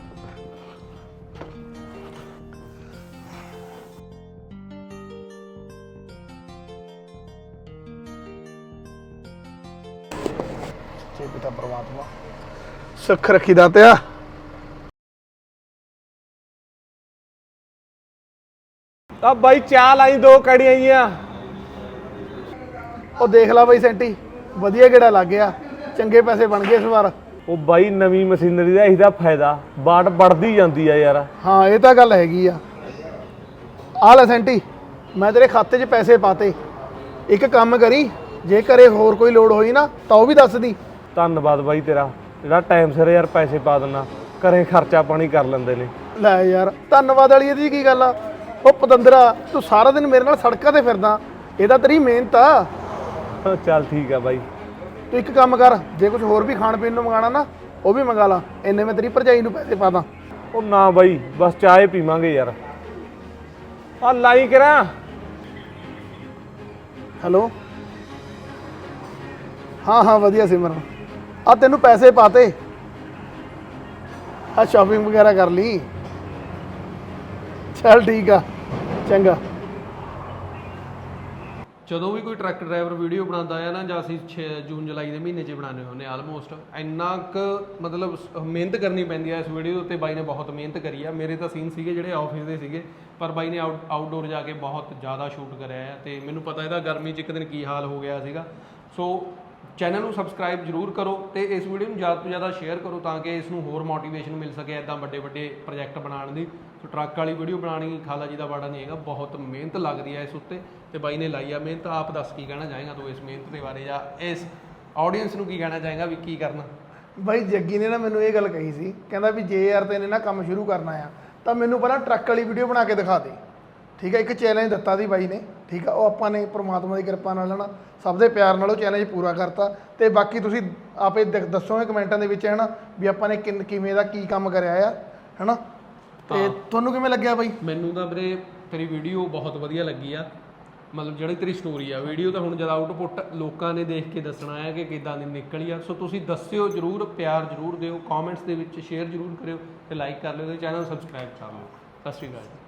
S1: ਜੇ ਪਿਤਾ ਪ੍ਰਮਾਤਮਾ ਸੁੱਖ ਰੱਖੀ ਦਾਤਿਆ।
S4: ਆ ਬਾਈ ਚਾਹ ਲਾਈ, ਦੋ ਕੜੀਆਂ ਆਈਆਂ।
S1: ਉਹ ਦੇਖ ਲੈ ਬਾਈ ਸੈਂਟੀ, ਵਧੀਆ ਗੇੜਾ ਲੱਗ ਗਿਆ, ਚੰਗੇ ਪੈਸੇ ਬਣ ਗਏ ਇਸ ਵਾਰ।
S4: ਉਹ ਬਾਈ ਨਵੀਂ ਮਸ਼ੀਨਰੀ ਦਾ ਇਹਦਾ ਫਾਇਦਾ, ਬਾਟ ਵੱਧਦੀ ਜਾਂਦੀ ਆ ਯਾਰ।
S1: ਹਾਂ ਇਹ ਤਾਂ ਗੱਲ ਹੈਗੀ ਆ। ਆ ਲੈ ਸੈਂਟੀ, ਮੈਂ ਤੇਰੇ ਖਾਤੇ 'ਚ ਪੈਸੇ ਪਾਤੇ। ਇੱਕ ਕੰਮ ਕਰੀ, ਜੇ ਘਰੇ ਹੋਰ ਕੋਈ ਲੋੜ ਹੋਈ ਨਾ ਤਾਂ ਉਹ ਵੀ ਦੱਸ ਦੀ।
S4: ਧੰਨਵਾਦ ਬਾਈ ਤੇਰਾ, ਜਿਹੜਾ ਟਾਈਮ ਸਿਰ ਯਾਰ ਪੈਸੇ ਪਾ ਦਿੰਦਾ, ਘਰੇ ਖਰਚਾ ਪਾਣੀ ਕਰ ਲੈਂਦੇ ਨੇ।
S1: ਲੈ ਯਾਰ, ਧੰਨਵਾਦ ਵਾਲੀ ਇਹਦੀ ਕੀ ਗੱਲ ਆ? ਉਹ ਪਤੰਦਰਾ, ਤੂੰ ਸਾਰਾ ਦਿਨ ਮੇਰੇ ਨਾਲ ਸੜਕਾਂ ਤੇ ਫਿਰਦਾ, ਇਹਦਾ ਤੇਰੀ ਮਿਹਨਤ ਆ।
S4: ਚੱਲ ਠੀਕ ਆ ਬਾਈ।
S1: ਤੂੰ ਇੱਕ ਕੰਮ ਕਰ, ਜੇ ਕੁਝ ਹੋਰ ਵੀ ਖਾਣ ਪੀਣ ਨੂੰ ਮੰਗਾਣਾ ਨਾ ਉਹ ਵੀ ਮੰਗਾ ਲਾ, ਇੰਨੇ ਮੈਂ ਤੇਰੀ ਭਰਜਾਈ ਨੂੰ ਪੈਸੇ ਪਾ ਦਾਂ।
S4: ਉਹ ਨਾ ਬਾਈ, ਬਸ ਚਾਹ ਪੀਵਾਂਗੇ ਯਾਰ। ਆ ਲਾਈ ਕਰਾਂ।
S1: ਹੈਲੋ, ਹਾਂ ਹਾਂ ਵਧੀਆ ਸਿਮਰਨ, ਆ ਤੈਨੂੰ ਪੈਸੇ ਪਾਤੇ, ਆ ਸ਼ਾਪਿੰਗ ਵਗੈਰਾ ਕਰ ਲਈ। ਚੱਲ ਠੀਕ ਆ, ਚੰਗਾ।
S2: ਜਦੋਂ ਵੀ ਕੋਈ ਟਰੱਕ ਡਰਾਈਵਰ ਵੀਡੀਓ ਬਣਾਉਂਦਾ ਆ ਨਾ, ਜਾਂ ਅਸੀਂ ਛੇ ਜੂਨ ਜੁਲਾਈ ਦੇ ਮਹੀਨੇ 'ਚ ਬਣਾਉਂਦੇ ਹੁੰਦੇ ਆਲਮੋਸਟ, ਇੰਨਾ ਕੁ ਮਤਲਬ ਸ- ਮਿਹਨਤ ਕਰਨੀ ਪੈਂਦੀ ਆ ਇਸ ਵੀਡੀਓ ਦੇ ਉੱਤੇ। ਬਾਈ ਨੇ ਬਹੁਤ ਮਿਹਨਤ ਕਰੀ ਆ। ਮੇਰੇ ਤਾਂ ਸੀਨ ਸੀਗੇ ਜਿਹੜੇ ਆਫਿਸ ਦੇ ਸੀਗੇ, ਪਰ ਬਾਈ ਨੇ ਆਊਟ ਆਊਟਡੋਰ ਜਾ ਕੇ ਬਹੁਤ ਜ਼ਿਆਦਾ ਸ਼ੂਟ ਕਰਿਆ ਆ, ਤੇ ਮੈਨੂੰ ਪਤਾ ਇਹਦਾ ਗਰਮੀ 'ਚ ਇੱਕ ਦਿਨ ਕੀ ਹਾਲ ਹੋ ਗਿਆ ਸੀਗਾ। ਸੋ ਚੈਨਲ ਨੂੰ ਸਬਸਕ੍ਰਾਈਬ ਜ਼ਰੂਰ ਕਰੋ ਤੇ ਇਸ ਵੀਡੀਓ ਨੂੰ ਜ਼ਿਆਦਾ ਤੋਂ ਜ਼ਿਆਦਾ ਸ਼ੇਅਰ ਕਰੋ, ਤਾਂ ਕਿ ਇਸ ਨੂੰ ਹੋਰ ਮੋਟੀਵੇਸ਼ਨ ਮਿਲ ਸਕੇ ਇੱਦਾਂ ਵੱਡੇ ਵੱਡੇ ਪ੍ਰੋਜੈਕਟ ਬਣਾਉਣ ਦੀ। ਸੋ ਟਰੱਕ ਵਾਲੀ ਵੀਡੀਓ ਬਣਾਉਣੀ ਖਾਲਾ ਜੀ ਦਾ ਬਾੜਾ ਨਹੀਂ ਹੈਗਾ, ਬਹੁਤ ਮਿਹਨਤ ਲੱਗਦੀ ਹੈ ਇਸ ਉੱਤੇ, ਤੇ ਬਾਈ ਨੇ ਲਾਈ ਆ ਮਿਹਨਤ। ਆਪ ਦੱਸ ਕੀ ਕਹਿਣਾ ਚਾਹੇਗਾ ਤੂੰ ਇਸ ਮਿਹਨਤ ਦੇ ਬਾਰੇ, ਜਾਂ ਇਸ ਆਡੀਅנס ਨੂੰ ਕੀ ਕਹਿਣਾ ਚਾਹੇਗਾ ਵੀ ਕੀ ਕਰਨਾ?
S1: ਬਾਈ ਜੱਗੀ ਨੇ ਨਾ ਮੈਨੂੰ ਇਹ ਗੱਲ ਕਹੀ ਸੀ, ਕਹਿੰਦਾ ਵੀ ਜੇ ਯਾਰ ਤੈਨੇ ਨਾ ਕੰਮ ਸ਼ੁਰੂ ਕਰਨਾ ਆ ਤਾਂ ਮੈਨੂੰ ਪਹਿਲਾਂ ਟਰੱਕ ਵਾਲੀ ਵੀਡੀਓ ਬਣਾ ਕੇ ਦਿਖਾ ਦੇ। ਠੀਕ ਹੈ, ਇੱਕ ਚੈਲੰਜ ਦਿੱਤਾ ਸੀ ਬਾਈ ਨੇ। ਠੀਕ ਆ, ਉਹ ਆਪਾਂ ਨੇ ਪ੍ਰਮਾਤਮਾ ਦੀ ਕਿਰਪਾ ਨਾਲ ਨਾ ਸਭ ਦੇ ਪਿਆਰ ਨਾਲ ਉਹ ਚੈਲੰਜ ਪੂਰਾ ਕਰਤਾ। ਤੇ ਬਾਕੀ ਤੁਸੀਂ ਆਪੇ ਦ- ਦੱਸੋਗੇ ਕਮੈਂਟਾਂ ਦੇ ਵਿੱਚ, ਹੈ ਨਾ, ਵੀ ਆਪਾਂ ਨੇ ਕਿੰਨ ਕਿਵੇਂ ਦਾ ਕੀ ਕੰਮ ਕਰਿਆ ਆ, ਹੈ ਨਾ। ਤੇ ਤੁਹਾਨੂੰ ਕਿਵੇਂ ਲੱਗਿਆ ਬਾਈ?
S2: ਮੈਨੂੰ ਤਾਂ ਵੀਰੇ ਤੇਰੀ ਵੀਡੀਓ ਬਹੁਤ ਵਧੀਆ ਲੱਗੀ ਆ, ਮਤਲਬ ਜਿਹੜੀ ਤੇਰੀ ਸਟੋਰੀ ਆ। ਵੀਡੀਓ ਤਾਂ ਹੁਣ ਜਦ ਆਊਟਪੁੱਟ ਲੋਕਾਂ ਨੇ ਦੇਖ ਕੇ ਦੱਸਣਾ ਹੈ ਕਿ ਕਿੱਦਾਂ ਦੀ ਨਿਕਲੀ ਆ। ਸੋ ਤੁਸੀਂ ਦੱਸਿਓ ਜ਼ਰੂਰ, ਪਿਆਰ ਜ਼ਰੂਰ ਦਿਓ, ਕਮੈਂਟਸ ਦੇ ਵਿੱਚ ਸ਼ੇਅਰ ਜ਼ਰੂਰ ਕਰਿਓ ਤੇ ਲਾਈਕ ਕਰ ਲਿਓ ਤੇ ਚੈਨਲ ਸਬਸਕ੍ਰਾਈਬ ਕਰ ਲਿਓ। ਸਤਿ ਸ਼੍ਰੀ ਅਕਾਲ ਜੀ।